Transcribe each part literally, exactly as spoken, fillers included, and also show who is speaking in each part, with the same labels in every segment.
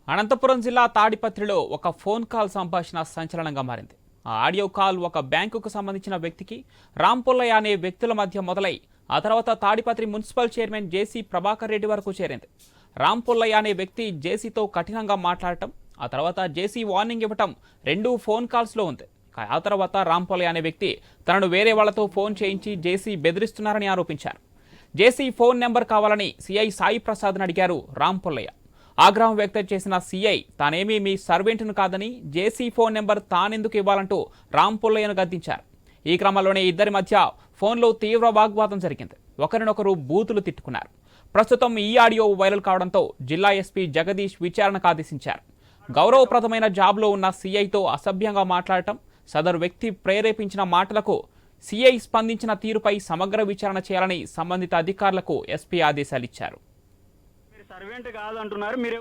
Speaker 1: అనంతపురం జిల్లా తాడిపత్రిలో ఒక ఫోన్ కాల్ సంభాషణ సంచలనంగా మారింది. ఆ ఆడియో కాల్ ఒక బ్యాంకుకు సంబంధించిన వ్యక్తికి రాంపుల్లయ్య అనే వ్యక్తుల మధ్య మొదలై ఆ తర్వాత తాడిపత్రి మున్సిపల్ చైర్మన్ జేసీ ప్రభాకర్ రెడ్డి వరకు చేరింది. రాంపుల్లయ్య అనే వ్యక్తి జేసీతో కఠినంగా మాట్లాడటం, ఆ తర్వాత జేసీ వార్నింగ్ ఇవ్వటం రెండు ఫోన్ కాల్స్లో ఉంది. ఆ తర్వాత రాంపుల్లయ్య అనే వ్యక్తి తనను వేరే వాళ్లతో ఫోన్ చేయించి జేసీ బెదిరిస్తున్నారని ఆరోపించారు. జేసీ ఫోన్ నెంబర్ కావాలని సీఐ సాయి ప్రసాద్ని అడిగారు రాంపుల్లయ్య. ఆగ్రహం వ్యక్తం చేసిన సీఐ తానేమీ మీ సర్వెంట్ను కాదని జేసీ ఫోన్ నెంబర్ తానెందుకు ఇవ్వాలంటూ రాంపుల్లయ్యను గద్దించారు. ఈ క్రమంలోనే ఇద్దరి మధ్య ఫోన్లో తీవ్ర వాగ్వాదం జరిగింది. ఒకరినొకరు బూతులు తిట్టుకున్నారు. ప్రస్తుతం ఈ ఆడియో వైరల్ కావడంతో జిల్లా ఎస్పీ జగదీష్ విచారణకు ఆదేశించారు. గౌరవప్రదమైన జాబ్లో ఉన్న సీఐతో అసభ్యంగా మాట్లాడటం, సదరు వ్యక్తి ప్రేరేపించిన మాటలకు సీఐ స్పందించిన తీరుపై సమగ్ర విచారణ చేయాలని సంబంధిత అధికారులకు ఎస్పీ ఆదేశాలిచ్చారు.
Speaker 2: సర్వెంట్ కాదు అంటున్నారు మీరు.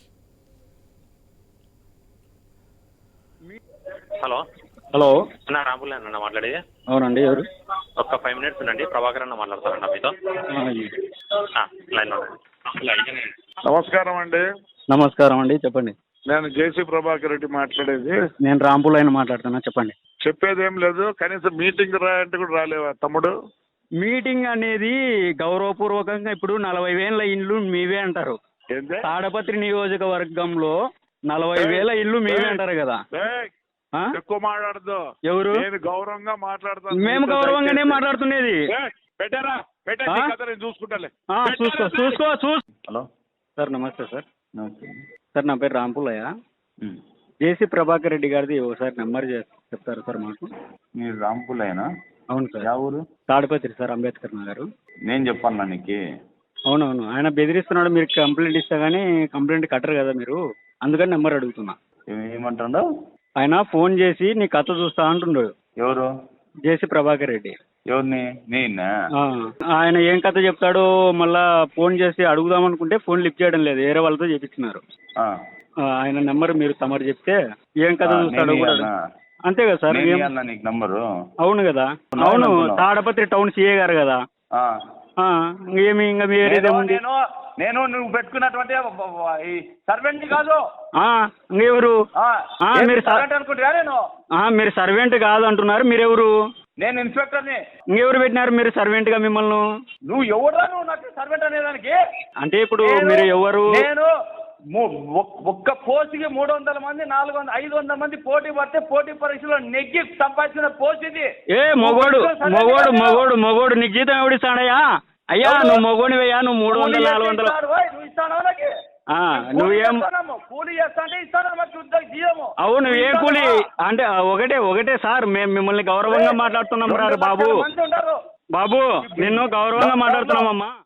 Speaker 3: హలో
Speaker 2: హలో
Speaker 3: అన్న రాంపుల్ అన్న మాట్లాడేది.
Speaker 2: అవునండి, ఎవరు?
Speaker 3: ఒక్క ఫైవ్ మినిట్స్ ఉండండి, ప్రభాకర్ అన్న మాట్లాడతారన్న మీతో. లైన్
Speaker 4: నమస్కారం అండి.
Speaker 2: నమస్కారం అండి, చెప్పండి.
Speaker 4: నేను జేసీ ప్రభాకర్ రెడ్డి మాట్లాడేది.
Speaker 2: నేను రాంపుల్లయ్యని మాట్లాడుతున్నా, చెప్పండి.
Speaker 4: చెప్పేది ఏం లేదు, కనీసం మీటింగ్ రాయంటే కూడా రాలేవా తమ్ముడు?
Speaker 2: మీటింగ్ అనేది గౌరవపూర్వకంగా ఇప్పుడు నలభై వేల ఇల్లు మీవే అంటారు.
Speaker 4: ఏంది?
Speaker 2: తాడపత్రి నియోజకవర్గంలో నలభై వేల ఇల్లు మీవే అంటారు కదా.
Speaker 4: ఏయ్,
Speaker 2: ఆ?
Speaker 4: ఎక్కువ మాట్లాడదు.
Speaker 2: ఎవరు?
Speaker 4: నేను గౌరవంగా మాట్లాడతాను.
Speaker 2: మేము గౌరవంగానే మాట్లాడుతున్నది.
Speaker 4: ఏయ్, పెట్టారా పెట్టా,
Speaker 2: ఆ?
Speaker 4: నీ కథ నేను చూసుకుంటాలే.
Speaker 2: ఆ, చూసుకో చూసుకో చూసుకో
Speaker 5: హలో
Speaker 2: సార్, నమస్తే సార్.
Speaker 5: నమస్తే.
Speaker 2: సార్, నా పేరు రాంపుల్లయ్య.
Speaker 5: ఉమ్.
Speaker 2: జేసీ ప్రభాకర్ రెడ్డి గారిది ఒకసారి నెంబర్ చెప్తారు సార్ మాకు?
Speaker 5: మీరు రాంపుల్లయ్యనా?
Speaker 2: అవును సార్.
Speaker 5: యా ఊరు?
Speaker 2: తాడిపత్రి సార్, అంబేద్కర్ నగర్.
Speaker 5: నేను చెప్పాలా నీకు?
Speaker 2: అవునవును, ఆయన బెదిరిస్తున్నాడు. మీరు కంప్లైంట్ ఇస్తా కానీ కంప్లైంట్ కట్టరు కదా మీరు, అందుకని నెంబర్ అడుగుతున్నా.
Speaker 5: ఏం- ఏమంటాడు
Speaker 2: ఆయన ఫోన్ చేసి నీ కథ చూస్తా అంటున్నాడు.
Speaker 5: ఎవరు?
Speaker 2: జేసీ ప్రభాకర్ రెడ్డి.
Speaker 5: ఎవరిని? నేనా?
Speaker 2: ఆ, ఆయన ఏం కథ చెప్తాడో మళ్ళా ఫోన్ చేసి అడుగుదాం అనుకుంటే ఫోన్ లిఫ్ట్ చేయడం లేదు, వేరే వాళ్ళతో చేపించినారు.
Speaker 5: ఆ.
Speaker 2: ఆ, ఆయన నెంబర్ మీరు తమరు చెప్తే ఏం కథ
Speaker 5: ఆ,
Speaker 2: చూస్తాడో
Speaker 5: నేను
Speaker 2: కూడా
Speaker 5: ఇయ్యాలనా?
Speaker 2: అడుగు. అంతే కదా సార్.
Speaker 5: నేను
Speaker 2: ఏం-
Speaker 5: ఇయ్యాలనా నీకు నంబరు?
Speaker 2: అవును కదా.
Speaker 5: అవును
Speaker 2: అవును,
Speaker 5: అనుకున్నావు.
Speaker 2: తాడపత్రి టౌన్ సీఏ గారు కదా.
Speaker 5: ఆ.
Speaker 2: ఆ, ఏమి ఇంకా
Speaker 5: నేను
Speaker 2: వేరేదేముంది?
Speaker 5: నేను నేను నువ్వు పెట్టుకున్నటువంటి ఈ సర్వెంట్ కాదు.
Speaker 2: ఆ, ఇంకెవరు?
Speaker 5: ఆ,
Speaker 2: ఆ,
Speaker 5: ఏంటి
Speaker 2: మీరు స-
Speaker 5: సర్వెంట్ అనుకుంటున్నా నేను?
Speaker 2: ఆ, మీరు సర్వెంట్ కాదు అంటున్నారు, మీరెవరు?
Speaker 5: నేను ఇన్స్పెక్టర్ని.
Speaker 2: ఇంకెవరు పెట్టినారు మీరు సర్వెంట్ గా మిమ్మల్ని?
Speaker 5: నువ్వు ఎవరా? నువ్వు నాకు సర్వెంట్ అనేదానికి?
Speaker 2: అంటే ఇప్పుడు
Speaker 5: నేను-
Speaker 2: మీరు ఎవరు?
Speaker 5: నేను ము- ఒక్- ఒక్క పోస్టుకి మూడు వందల మంది నాలుగు వందల ఐదు వందల మంది పోటీ పడితే పోటీ పరీక్షలో నెగ్గి సంపాదించిన పోస్ట్ ఇది.
Speaker 2: ఏ మొగోడు మొగోడు మొగోడు మొగోడు నీకు జీతం ఎవడిస్తాడయ్యా? అయ్యా
Speaker 5: ఎవరు?
Speaker 2: నువ్వు మొగోనివయ్యా, నువ్వు మూడు వందల నాలుగు వందలు.
Speaker 5: నువ్వు ఇస్తాను నాకు.
Speaker 2: ఆ, నువ్వేం?
Speaker 5: కూలీ చేస్తా అంటే ఇస్తాను మాకు ఉద్యోగ జీవము.
Speaker 2: అవును, ఏ కూలి అంటే ఒకటే ఒకటే సార్, మేము మిమ్మల్ని గౌరవంగా మాట్లాడుతున్నాం రా బాబు.
Speaker 5: మంది ఉంటారు.
Speaker 2: బాబు, నిన్ను గౌరవంగా మాట్లాడుతున్నామమ్మా.